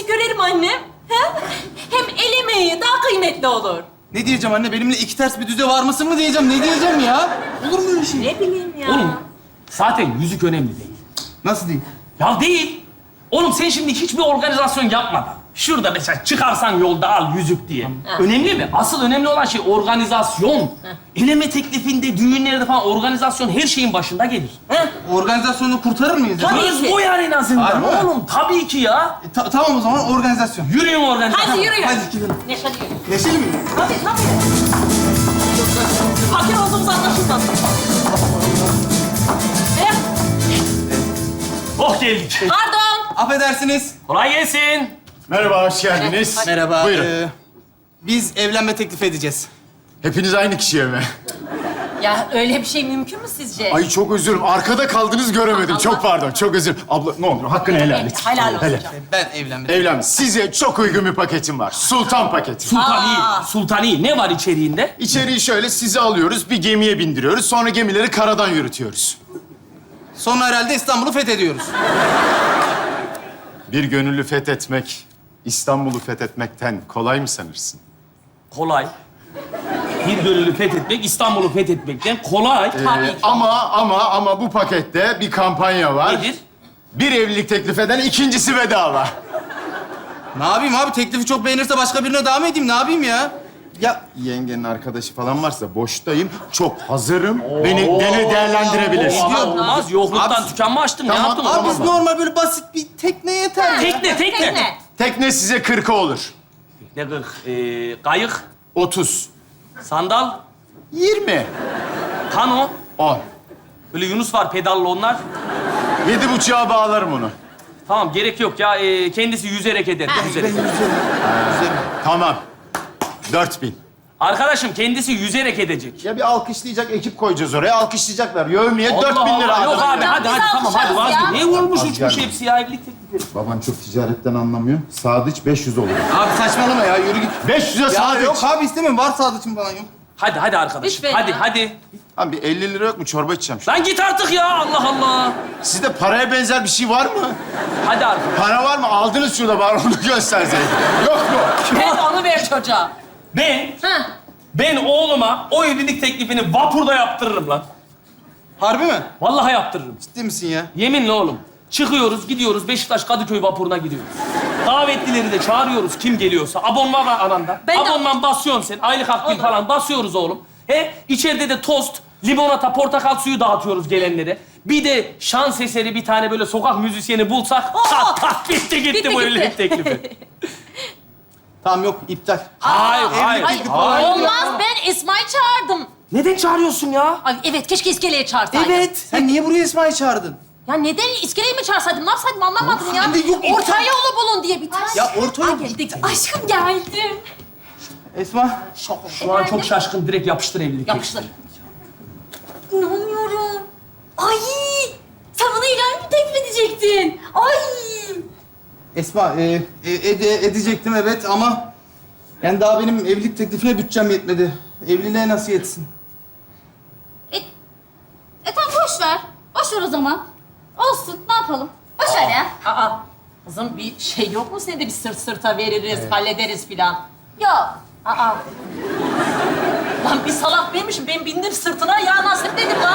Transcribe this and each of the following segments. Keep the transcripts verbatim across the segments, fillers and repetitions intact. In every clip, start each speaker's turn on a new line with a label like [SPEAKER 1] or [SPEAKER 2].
[SPEAKER 1] yüzü görelim annem. He? Hem el emeği daha kıymetli olur.
[SPEAKER 2] Ne diyeceğim anne? Benimle iki ters bir düze var mısın mı diyeceğim? Ne diyeceğim ya? Olur mu öyle şey?
[SPEAKER 1] Ne bileyim ya.
[SPEAKER 3] Oğlum zaten yüzük önemli değil.
[SPEAKER 2] Nasıl değil?
[SPEAKER 3] Ya değil. Oğlum sen şimdi hiçbir organizasyon yapmadan şurada mesela çıkarsan yolda al yüzük diye. Önemli mi? Asıl önemli olan şey organizasyon. Eleme teklifinde, düğünlerde falan organizasyon her şeyin başında gelir. He?
[SPEAKER 2] Organizasyonu kurtarır mıyız? ya?
[SPEAKER 1] Tabii
[SPEAKER 3] Söz
[SPEAKER 1] ki.
[SPEAKER 3] o yani en azından.
[SPEAKER 2] Harbi mi?
[SPEAKER 3] Oğlum tabii ki ya.
[SPEAKER 2] E, ta- tamam o zaman organizasyon.
[SPEAKER 3] Yürüyün organizasyon.
[SPEAKER 1] Hadi yürü.
[SPEAKER 2] Hadi gidelim.
[SPEAKER 1] Neşeli yürü.
[SPEAKER 2] Neşeli mi?
[SPEAKER 1] Tabii tabii. Fakir olduğumuz anlaşılmaz. Eh,
[SPEAKER 3] Oh geldik.
[SPEAKER 1] Pardon.
[SPEAKER 2] Affedersiniz.
[SPEAKER 3] Kolay gelsin.
[SPEAKER 4] Merhaba, hoş geldiniz.
[SPEAKER 2] Merhaba.
[SPEAKER 4] Buyurun.
[SPEAKER 2] Ee, biz evlenme teklif edeceğiz.
[SPEAKER 4] Hepiniz aynı kişiye mi?
[SPEAKER 1] Ya öyle bir şey mümkün mü sizce?
[SPEAKER 4] Ay çok özür dilerim. Arkada kaldınız göremedim. Çok pardon, çok özür. Abla ne olur hakkını helal et.
[SPEAKER 1] Helal olsun
[SPEAKER 4] Helal.
[SPEAKER 1] canım.
[SPEAKER 2] Ben evlenme
[SPEAKER 4] Evlen. Size çok uygun bir paketim var. Sultan paketi.
[SPEAKER 3] Sultani.
[SPEAKER 1] Aa.
[SPEAKER 3] Sultani. Ne var içeriğinde?
[SPEAKER 4] İçeriği şöyle, sizi alıyoruz, bir gemiye bindiriyoruz. Sonra gemileri karadan yürütüyoruz.
[SPEAKER 2] Sonra herhalde İstanbul'u fethediyoruz.
[SPEAKER 4] Bir gönüllü fethetmek, İstanbul'u fethetmekten kolay mı sanırsın?
[SPEAKER 3] Kolay. Bir gönüllü fethetmek, İstanbul'u fethetmekten kolay.
[SPEAKER 1] Tabii ki.
[SPEAKER 4] Ama ama ama bu pakette bir kampanya var.
[SPEAKER 3] Nedir?
[SPEAKER 4] Bir evlilik teklif eden ikincisi bedava.
[SPEAKER 2] Ne yapayım abi? Teklifi çok beğenirse başka birine devam edeyim. Ne yapayım ya? Ya
[SPEAKER 4] Yengenin arkadaşı falan varsa boştayım. Çok hazırım. Beni, beni değerlendirebilirsin.
[SPEAKER 3] Ama olmaz. Yokluktan
[SPEAKER 2] Abi-
[SPEAKER 3] tükenme açtın. Ne
[SPEAKER 4] Tamam,
[SPEAKER 3] yaptın?
[SPEAKER 2] abi
[SPEAKER 3] Tamam.
[SPEAKER 2] biz normal böyle basit bir tekne yeter ya.
[SPEAKER 3] Tekne, tekne.
[SPEAKER 1] Tekne.
[SPEAKER 4] Tekne size kırka olur.
[SPEAKER 3] Ne kırk? Ee, kayık,
[SPEAKER 4] Otuz.
[SPEAKER 3] sandal,
[SPEAKER 4] Yirmi.
[SPEAKER 3] kano.
[SPEAKER 4] On.
[SPEAKER 3] Böyle Yunus var pedallı onlar.
[SPEAKER 4] Yedi buçuğa bağlarım onu.
[SPEAKER 3] Tamam gerek yok ya. Ee, kendisi yüzerek eder. Yüzerek.
[SPEAKER 4] Tamam. Dört bin.
[SPEAKER 3] Arkadaşım kendisi yüzerek edecek.
[SPEAKER 4] Ya bir alkışlayacak ekip koyacağız oraya. Alkışlayacaklar. Yövmeye dört bin
[SPEAKER 3] Allah
[SPEAKER 4] lira.
[SPEAKER 3] Allah. Yok
[SPEAKER 4] adam.
[SPEAKER 3] abi hadi
[SPEAKER 1] Biz
[SPEAKER 3] hadi tamam hadi
[SPEAKER 1] alkışlarız ya.
[SPEAKER 3] vazgeç. Ne olmuş
[SPEAKER 4] Az
[SPEAKER 3] uçmuş
[SPEAKER 4] geldi.
[SPEAKER 3] hepsi ya evlilik teklifi.
[SPEAKER 4] Baban çok ticaretten anlamıyor. Sadıç beş yüz olur.
[SPEAKER 2] Abi saçmalama ya. Yürü git.
[SPEAKER 4] beş yüze
[SPEAKER 2] Ya
[SPEAKER 4] Sadıç.
[SPEAKER 2] yok abi istemiyorum. Var sadıçım falan yok.
[SPEAKER 3] Hadi hadi arkadaşım.
[SPEAKER 1] Lütfen
[SPEAKER 3] hadi
[SPEAKER 1] ya.
[SPEAKER 3] hadi.
[SPEAKER 4] Abi bir elli lira yok mu? Çorba içeceğim.
[SPEAKER 3] Lan git artık ya Allah Allah.
[SPEAKER 4] Sizde paraya benzer bir şey var mı?
[SPEAKER 3] Hadi arkadaşım.
[SPEAKER 4] Para var mı? Aldınız şurada bari onu gösterseydin. Yok mu?
[SPEAKER 1] Evet onu ver çocuğa.
[SPEAKER 3] Ben,
[SPEAKER 1] Ha.
[SPEAKER 3] ben oğluma o evlilik teklifini vapurda yaptırırım lan.
[SPEAKER 2] Harbi mi?
[SPEAKER 3] Vallahi yaptırırım.
[SPEAKER 2] Ciddi misin ya?
[SPEAKER 3] Yeminle oğlum. Çıkıyoruz, gidiyoruz. Beşiktaş Kadıköy vapuruna gidiyoruz. Davetlileri de çağırıyoruz kim geliyorsa. Abonman var ananda.
[SPEAKER 1] Ben de-
[SPEAKER 3] Abonman basıyorsun sen. Aylık akbil
[SPEAKER 1] Olur.
[SPEAKER 3] falan basıyoruz oğlum. He, içeride de tost, limonata, portakal suyu dağıtıyoruz gelenlere. Bir de şans eseri bir tane böyle sokak müzisyeni bulsak...
[SPEAKER 1] Oo!
[SPEAKER 3] tak tak bitti gitti,
[SPEAKER 1] Bitti,
[SPEAKER 3] bu
[SPEAKER 1] gitti.
[SPEAKER 3] evlilik teklifi.
[SPEAKER 2] Tamam yok iptal.
[SPEAKER 3] hayır, hayır.
[SPEAKER 1] Ay,
[SPEAKER 3] hayır.
[SPEAKER 1] olmaz ben İsmail çağırdım.
[SPEAKER 3] Neden çağırıyorsun ya?
[SPEAKER 1] Ay evet keşke iskeleye çağırsaydım.
[SPEAKER 2] Evet. Sen niye buraya İsmail çağırdın?
[SPEAKER 1] Ya neden iskeleyi mi çağırsaydım? Ne yapsaydım anlamadım ya.
[SPEAKER 2] Ben de yok, iptal.
[SPEAKER 1] Orta yolu bulun diye bir tane.
[SPEAKER 2] Ya orta yol-
[SPEAKER 1] Ay, geldik. Aşkım geldim.
[SPEAKER 2] Esma.
[SPEAKER 3] Şu an çok şaşkın. Direkt yapıştır evlilik
[SPEAKER 1] Yapıştır. İnanmıyorum. Ay sen bana ilan mı teklif edecektin? Ay.
[SPEAKER 2] Esma, e, e, ede- edecektim evet ama... Yani daha benim evlilik teklifine bütçem yetmedi. Evliliğe nasıl yetsin?
[SPEAKER 5] E, e tamam boş ver. Boş ver o zaman. Olsun ne yapalım? Boş ver ya.
[SPEAKER 1] Aa kızım bir şey yok mu senin de bir sırt sırta veririz, hallederiz filan.
[SPEAKER 5] Yok.
[SPEAKER 1] Aa. Lan bir salak benim ben bindim sırtına ya nasip dedim lan.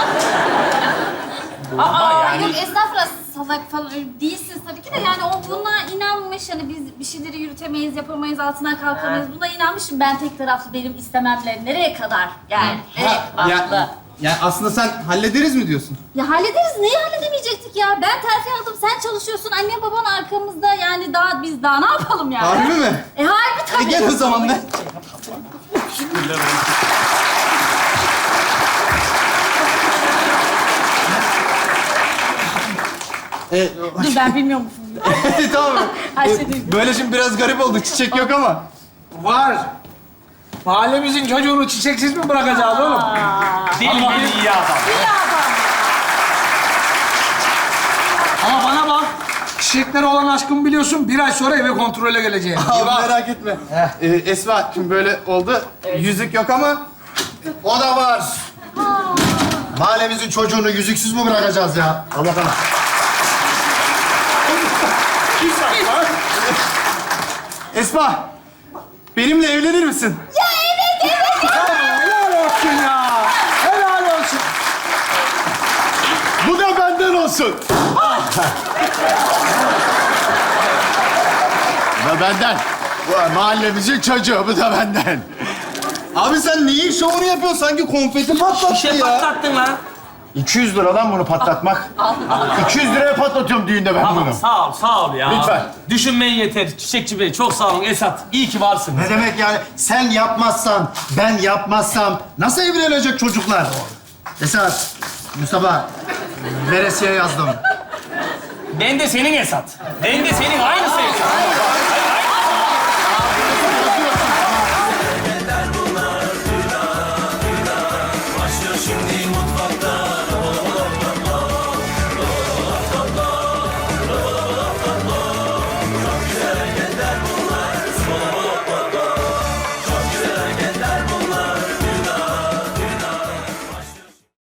[SPEAKER 3] Ama yani...
[SPEAKER 5] Yok estağfurullah salak falan öyle değilsiniz tabii ki de yani o buna inanmış hani biz bir şeyleri yürütemeyiz, yapamayız, altından kalkamayız. Buna inanmışım ben tek taraflı benim istememle nereye kadar yani.
[SPEAKER 1] Evet haklı.
[SPEAKER 2] Ya, yani aslında sen hallederiz mi diyorsun?
[SPEAKER 5] Ya hallederiz. Neyi halledemeyecektik ya? Ben terfi aldım, sen çalışıyorsun. Annem baban arkamızda yani daha biz daha ne yapalım yani?
[SPEAKER 2] Harbi mi?
[SPEAKER 5] E harbi
[SPEAKER 2] E
[SPEAKER 5] tabii.
[SPEAKER 2] gel o zaman ben. E,
[SPEAKER 5] Dur ben bilmiyormuşum.
[SPEAKER 2] tamam.
[SPEAKER 5] Her
[SPEAKER 2] E,
[SPEAKER 5] şey duydum.
[SPEAKER 2] böyle şimdi biraz garip oldu. Çiçek yok ama.
[SPEAKER 6] Var. Mahallemizin çocuğunu çiçeksiz mi bırakacağız oğlum?
[SPEAKER 3] Deli deli iyi adam.
[SPEAKER 6] Ama bana bak. Çiçeklere olan aşkımı biliyorsun. Bir ay sonra eve kontrole geleceğim.
[SPEAKER 2] Abi merak etme. E, Esma şimdi böyle oldu. Yüzük yok ama
[SPEAKER 4] O da var. Mahallemizin çocuğunu yüzüksüz mü bırakacağız ya? Allah Allah.
[SPEAKER 2] Esma, benimle evlenir misin?
[SPEAKER 6] Helal olsun ya. Helal olsun.
[SPEAKER 4] Bu da benden olsun. Bu da benden. Bu mahallemizin çocuğu, bu da benden.
[SPEAKER 2] Abi sen neyin şovunu yapıyorsun? Sanki konfeti patlattı
[SPEAKER 3] Şişe
[SPEAKER 2] ya.
[SPEAKER 3] patlattın lan.
[SPEAKER 4] iki yüz lira lan bunu patlatmak. iki yüz liraya patlatıyorum düğünde ben
[SPEAKER 3] Tamam,
[SPEAKER 4] bunu.
[SPEAKER 3] sağ ol, sağ ol ya.
[SPEAKER 4] Lütfen.
[SPEAKER 3] Düşünmeyin yeter. Çiçekçi Bey, çok sağ olun. Esat, iyi ki varsınız.
[SPEAKER 7] Ne demek yani? Sen yapmazsan, ben yapmazsam nasıl evlenecek çocuklar? Esat, Mustafa, veresiye yazdım.
[SPEAKER 3] Ben de senin Esat. Ben de senin aynı